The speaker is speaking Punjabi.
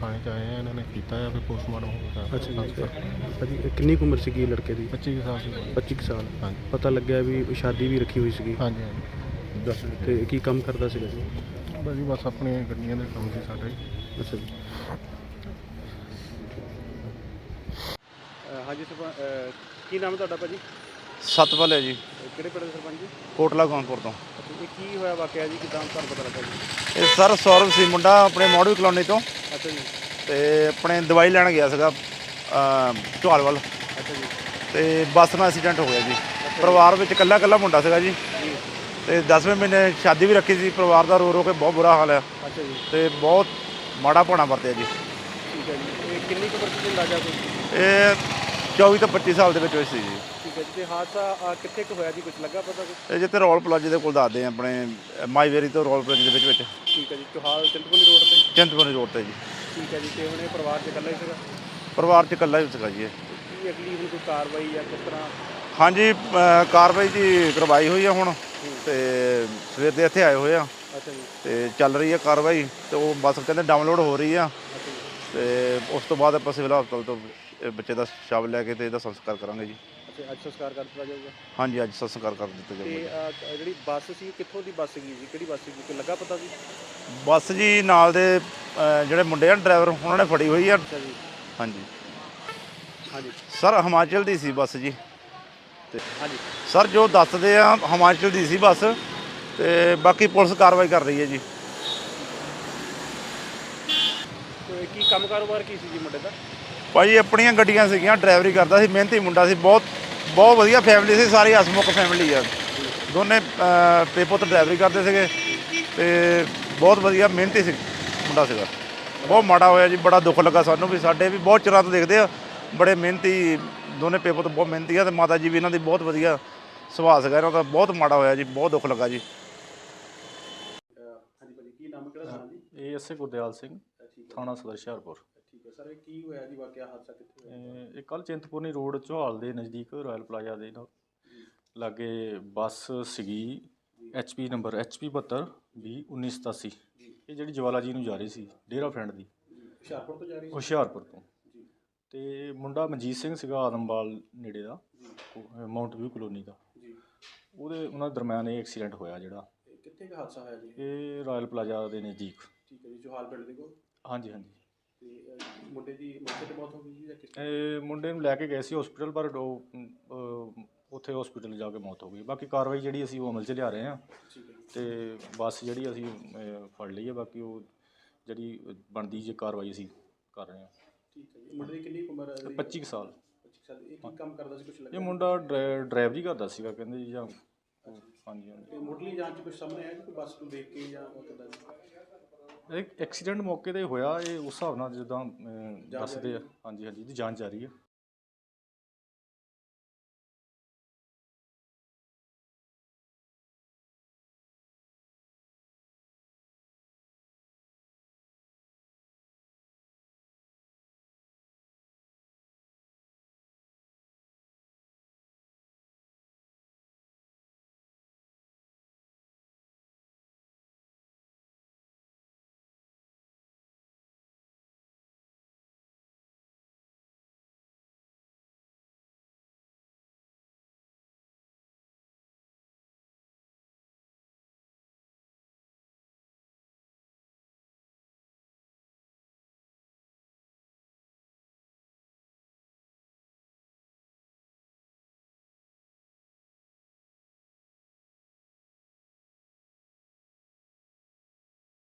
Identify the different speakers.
Speaker 1: ਥਾਣੇ 'ਚ ਆਏ ਆ, ਇਹਨਾਂ ਨੇ ਕੀਤਾ ਆ, ਫਿਰ ਪੋਸਟਮਾਰਟਮ ਹੋਊਗਾ।
Speaker 2: ਅੱਛਾ ਜੀ। ਭਾਜੀ ਕਿੰਨੀ ਕੁ ਉਮਰ ਸੀਗੀ ਲੜਕੇ ਦੀ?
Speaker 1: 25 ਸਾਲ ਸੀ।
Speaker 2: 25 ਕੁ ਸਾਲ।
Speaker 1: ਹਾਂਜੀ
Speaker 2: ਪਤਾ ਲੱਗਿਆ ਵੀ ਸ਼ਾਦੀ ਵੀ ਰੱਖੀ ਹੋਈ ਸੀਗੀ।
Speaker 1: ਹਾਂਜੀ ਹਾਂਜੀ।
Speaker 2: ਦੱਸ ਤੇ ਕੀ ਕੰਮ ਕਰਦਾ ਸੀਗਾ ਜੀ?
Speaker 1: ਬਸ ਜੀ ਬਸ ਆਪਣੇ ਗੱਡੀਆਂ ਦੇ ਕੰਮ ਸੀ ਸਾਡੇ।
Speaker 2: ਅੱਛਾ ਜੀ। ਹਾਂਜੀ ਕੀ ਨਾਮ ਹੈ ਤੁਹਾਡਾ ਭਾਜੀ?
Speaker 3: ਸਤਪਾਲ ਹੈ ਜੀ।
Speaker 2: ਕਿਹੜੇ ਪਿੰਡ ਦੇ ਸਰਪੰਚ ਜੀ?
Speaker 3: ਕੋਟਲਾ ਗੌਨਪੁਰ ਤੋਂ।
Speaker 2: ਅੱਛਾ, ਇਹ ਕੀ ਹੋਇਆ ਵਾਕਿਆ ਜੀ, ਕਿੱਦਾਂ ਤੁਹਾਨੂੰ ਪਤਾ ਲੱਗਾ ਜੀ?
Speaker 3: ਇਹ ਸਰ ਸੌਰਵ ਸੀ ਮੁੰਡਾ, ਆਪਣੇ ਮੋੜਵੀ ਕਲੋਨੀ ਤੋਂ,
Speaker 2: ਅੱਛਾ ਜੀ।
Speaker 3: ਤੇ ਆਪਣੇ ਦਵਾਈ ਲੈਣ ਗਿਆ ਸੀਗਾ ਢੋਲ ਵੱਲ,
Speaker 2: ਅੱਛਾ ਜੀ।
Speaker 3: ਤੇ ਬੱਸ ਨਾਲ ਐਕਸੀਡੈਂਟ ਹੋ ਗਿਆ ਜੀ। ਪਰਿਵਾਰ ਵਿੱਚ ਇਕੱਲਾ ਮੁੰਡਾ ਸੀਗਾ ਜੀ, ਤੇ 10ਵੇਂ ਮਹੀਨੇ ਸ਼ਾਦੀ ਵੀ ਰੱਖੀ ਸੀ। ਪਰਿਵਾਰ ਦਾ ਰੋ ਰੋ ਕੇ ਬਹੁਤ ਬੁਰਾ ਹਾਲ ਆ।
Speaker 2: ਅੱਛਾ ਜੀ।
Speaker 3: ਤੇ ਬਹੁਤ ਮਾੜਾ ਭਾਣਾ ਵਰਤਿਆ ਜੀ।
Speaker 2: ਠੀਕ ਹੈ ਜੀ। ਇਹ ਕਿੰਨੀ ਕੁ ਉਮਰ ਸੀ ਅੰਦਾਜ਼ਾ ਕੋਈ?
Speaker 3: ਇਹ 24 ਤੋਂ 25 ਸਾਲ ਦੇ ਵਿੱਚ ਹੋਈ ਸੀ ਜੀ।
Speaker 2: ਠੀਕ ਹੈ ਜੀ। ਤੇ ਹਾਦਸਾ ਕਿੱਥੇ ਕੁ ਹੋਇਆ ਜੀ, ਕੁਝ ਲੱਗਾ ਪਤਾ ਕੁਛ?
Speaker 3: ਇਹ ਜਿੱਥੇ ਰੋਲ ਪਲਾਜ਼ੇ ਦੇ ਕੋਲ ਦੱਸਦੇ ਆ, ਆਪਣੇ ਮਾਈਵੇਰੀ ਤੋਂ ਰੋਲ ਪਲਾਜ਼ੇ ਦੇ ਵਿੱਚ।
Speaker 2: ਠੀਕ ਹੈ ਜੀ। ਚੋਹਾਲ ਚਿੰਤਪੁਰਨੀ ਰੋਡ ਤੇ?
Speaker 3: ਚਿੰਤਪੁਰਨੀ ਰੋਡ ਤੇ ਜੀ।
Speaker 2: ਠੀਕ ਹੈ ਜੀ। ਤੇ ਹੁਣ ਇਹ ਪਰਿਵਾਰ 'ਚ ਇਕੱਲਾ ਹੀ ਸੀਗਾ?
Speaker 3: ਪਰਿਵਾਰ 'ਚ ਇਕੱਲਾ ਹੀ ਸੀਗਾ ਜੀ ਇਹ।
Speaker 2: ਕੀ ਅਗਲੀ ਹੁਣ ਕੋਈ ਕਾਰਵਾਈ ਜਾਂ ਕਿਸ ਤਰ੍ਹਾਂ?
Speaker 3: ਹਾਂਜੀ, ਕਾਰਵਾਈ ਦੀ ਕਰਵਾਈ ਹੋਈ ਆ ਹੁਣ, ਤੇ ਸਵੇਰ ਦੇ ਇੱਥੇ ਆਏ ਹੋਏ ਆ।
Speaker 2: ਅੱਛਾ ਜੀ।
Speaker 3: ਤੇ ਚੱਲ ਰਹੀ ਹੈ ਕਾਰਵਾਈ, ਤੇ ਉਹ ਬਸ ਕਹਿੰਦੇ ਡਾਊਨਲੋਡ ਹੋ ਰਹੀ ਆ।
Speaker 2: ਅੱਛਾ ਜੀ।
Speaker 3: ਤੇ ਉਸ ਤੋਂ ਬਾਅਦ ਆਪਾਂ ਸਿਵਲ ਹਸਪਤਾਲ ਤੋਂ ਇਹ ਬੱਚੇ ਦਾ ਸ਼ਵ ਲੈ ਕੇ ਤੇ ਇਹਦਾ ਸੰਸਕਾਰ ਕਰਾਂਗੇ ਜੀ।
Speaker 2: ਅੱਛਾ, ਅੱਜ ਸੰਸਕਾਰ ਕਰ ਦਿੱਤਾ ਜਾਊਗਾ?
Speaker 3: ਹਾਂਜੀ, ਅੱਜ ਸੰਸਕਾਰ ਕਰ ਦਿੱਤਾ
Speaker 2: ਤੇ
Speaker 3: ਜਾਊਗਾ।
Speaker 2: ਜਿਹੜੀ ਬੱਸ ਸੀ, ਕਿੱਥੋਂ ਦੀ ਬੱਸ ਸੀਗੀ ਜੀ? ਕਿਹੜੀ ਬੱਸ ਸੀਗੀ, ਕੋਈ ਲੱਗਾ ਪਤਾ ਜੀ?
Speaker 3: ਬੱਸ ਜੀ ਨਾਲ ਦੇ ਜਿਹੜੇ ਮੁੰਡੇ ਆ ਡਰਾਈਵਰ, ਉਹਨਾਂ ਨੇ ਫੜੀ ਹੋਈ ਆ।
Speaker 2: ਅੱਛਾ ਜੀ।
Speaker 3: ਹਾਂਜੀ
Speaker 2: ਹਾਂਜੀ।
Speaker 3: ਸਰ, ਹਿਮਾਚਲ ਦੀ ਸੀ ਬੱਸ ਜੀ। ਤੇ
Speaker 2: ਹਾਂਜੀ
Speaker 3: ਸਰ ਜੋ ਦੱਸਦੇ ਆ ਹਿਮਾਚਲ ਦੀ ਸੀ ਬੱਸ, ਤੇ ਬਾਕੀ ਪੁਲਿਸ ਕਾਰਵਾਈ ਕਰ ਰਹੀ ਹੈ ਜੀ।
Speaker 2: ਤੇ ਕੀ ਕੰਮ ਕਾਰੋਬਾਰ ਕੀ ਸੀ ਜੀ ਮੁੰਡੇ ਦਾ?
Speaker 3: ਭਾਈ ਆਪਣੀਆਂ ਗੱਡੀਆਂ ਸੀਗੀਆਂ, ਡਰਾਈਵਰੀ ਕਰਦਾ ਸੀ, ਮਿਹਨਤੀ ਮੁੰਡਾ ਸੀ, ਬਹੁਤ ਵਧੀਆ ਫੈਮਿਲੀ ਸੀ, ਸਾਰੀ ਹਸਮੁਖ ਫੈਮਿਲੀ ਆ। ਦੋਨੇ ਪੁੱਤ ਡਰਾਈਵਰੀ ਕਰਦੇ ਸੀਗੇ, ਤੇ ਬਹੁਤ ਵਧੀਆ ਮਿਹਨਤੀ ਸੀ ਮੁੰਡਾ ਸੀਗਾ। ਬਹੁਤ ਮਾੜਾ ਹੋਇਆ ਜੀ, ਬੜਾ ਦੁੱਖ ਲੱਗਾ ਸਾਨੂੰ ਵੀ। ਸਾਡੇ ਵੀ ਬਹੁਤ ਚਿਰਾਂ ਤੋਂ ਦੇਖਦੇ ਆ, ਬੜੇ ਮਿਹਨਤੀ ਦੋਨੇ ਪੁੱਤ, ਬਹੁਤ ਮਿਹਨਤੀ ਆ, ਤੇ ਮਾਤਾ ਜੀ ਵੀ ਇਹਨਾਂ ਦੀ ਬਹੁਤ ਵਧੀਆ ਸੁਭਾਅ ਸੀਗਾ ਇਹਨਾਂ ਦਾ। ਬਹੁਤ ਮਾੜਾ ਹੋਇਆ ਜੀ, ਬਹੁਤ ਦੁੱਖ ਲੱਗਾ ਜੀ।
Speaker 2: ਹਾਂਜੀ ਭਾਜੀ, ਕੀ ਨਾਮ ਕਿਹੜਾ ਥਾਣਾ ਜੀ?
Speaker 1: ਇਹ ਐਸਏ ਗੁਰਦਿਆਲ ਸਿੰਘ, ਥਾਣਾ ਸਦਰ ਹੁਸ਼ਿਆਰਪੁਰ।
Speaker 2: ਠੀਕ ਹੈ ਸਰ, ਇਹ ਕੀ ਹੋਇਆ ਜੀ ਵਾਕਿਆ, ਹਾਦਸਾ ਕਿੱਥੇ ਹੋਇਆ?
Speaker 1: ਇਹ ਕੱਲ੍ਹ ਚਿੰਤਪੁਰਨੀ ਰੋਡ ਚੌਹਾਲ ਦੇ ਨਜ਼ਦੀਕ ਰਾਇਲ ਪਲਾਜ਼ਾ ਦੇ ਲਾਗੇ ਬੱਸ ਸੀਗੀ, HP ਨੰਬਰ HP 72 20 1987। ਇਹ ਜਿਹੜੀ ਜਵਾਲਾ ਜੀ ਨੂੰ ਜਾ ਰਹੀ ਸੀ, ਡੇਰਾ ਫਰੈਂਡ ਦੀ,
Speaker 2: ਹੁਸ਼ਿਆਰਪੁਰ ਤੋਂ ਜਾ ਰਹੀ ਸੀ?
Speaker 1: ਹੁਸ਼ਿਆਰਪੁਰ ਤੋਂ। ਤੇ ਮੁੰਡਾ ਮਨਜੀਤ ਸਿੰਘ ਸੀਗਾ, ਆਦਮਵਾਲ ਨੇੜੇ ਦਾ, ਮਾਊਂਟ ਵਿਊ ਕਲੋਨੀ ਦਾ। ਉਹਨਾਂ ਦੇ ਦਰਮਿਆਨ ਇਹ ਐਕਸੀਡੈਂਟ ਹੋਇਆ ਜਿਹੜਾ।
Speaker 2: ਕਿੱਥੇ ਕੁ ਹਾਦਸਾ ਹੋਇਆ ਜੀ?
Speaker 1: ਇਹ ਰਾਇਲ ਪਲਾਜ਼ਾ ਦੇ ਨਜ਼ਦੀਕ।
Speaker 2: ਠੀਕ ਹੈ ਜੀ। ਚੋਹਾਲ ਪਿੰਡ ਦੇ ਕੋਲ?
Speaker 1: ਹਾਂਜੀ ਹਾਂਜੀ।
Speaker 2: ਤੇ ਮੁੰਡੇ ਦੀ ਮੌਕੇ 'ਤੇ ਮੌਤ ਹੋ ਗਈ ਜੀ ਜਾਂ ਕਿਸ?
Speaker 1: ਇਹ ਮੁੰਡੇ ਨੂੰ ਲੈ ਕੇ ਗਏ ਸੀ ਹਸਪੀਟਲ, ਪਰ ਉੱਥੇ ਹਸਪੀਟਲ ਜਾ ਕੇ ਮੌਤ ਹੋ ਗਈ। ਬਾਕੀ ਕਾਰਵਾਈ ਜਿਹੜੀ ਅਸੀਂ ਉਹ ਅਮਲ 'ਚ ਲਿਆ ਰਹੇ ਹਾਂ।
Speaker 2: ਠੀਕ ਹੈ ਜੀ।
Speaker 1: ਤੇ ਬੱਸ ਜਿਹੜੀ ਅਸੀਂ ਫੜ ਲਈ ਹੈ, ਬਾਕੀ ਉਹ ਜਿਹੜੀ ਬਣਦੀ ਜੇ ਕਾਰਵਾਈ ਅਸੀਂ ਕਰ ਰਹੇ ਹਾਂ।
Speaker 2: ਠੀਕ ਹੈ ਜੀ। ਮੁੰਡੇ ਦੀ ਕਿੰਨੀ ਉਮਰ ਹੈ?
Speaker 1: 25 ਕੁ ਸਾਲ।
Speaker 2: 25 ਸਾਲ। ਇਹ ਕੀ ਕੰਮ ਕਰਦਾ ਸੀ, ਕੁਛ ਲੱਗਾ?
Speaker 1: ਇਹ ਮੁੰਡਾ ਡਰਾਈਵਰੀ ਕਰਦਾ ਸੀਗਾ ਕਹਿੰਦੇ ਜੀ, ਜਾਂ ਹਾਂਜੀ ਹਾਂਜੀ।
Speaker 2: ਤੇ ਮੁੱਢਲੀ ਜਾਂਚ 'ਚ ਕੁਛ ਸਾਹਮਣੇ ਆਇਆ ਜੀ, ਕੋਈ ਬੱਸ ਨੂੰ ਦੇਖ ਕੇ ਜਾਂ ਕਿੱਦਾਂ ਜੀ?
Speaker 1: ਇਹ ਐਕਸੀਡੈਂਟ ਮੌਕੇ 'ਤੇ ਹੋਇਆ, ਇਹ ਉਸ ਹਿਸਾਬ ਨਾਲ ਜਿੱਦਾਂ ਦੱਸਦੇ ਆ। ਹਾਂਜੀ ਹਾਂਜੀ, ਇਹਦੀ ਜਾਂਚ ਜਾਰੀ ਹੈ।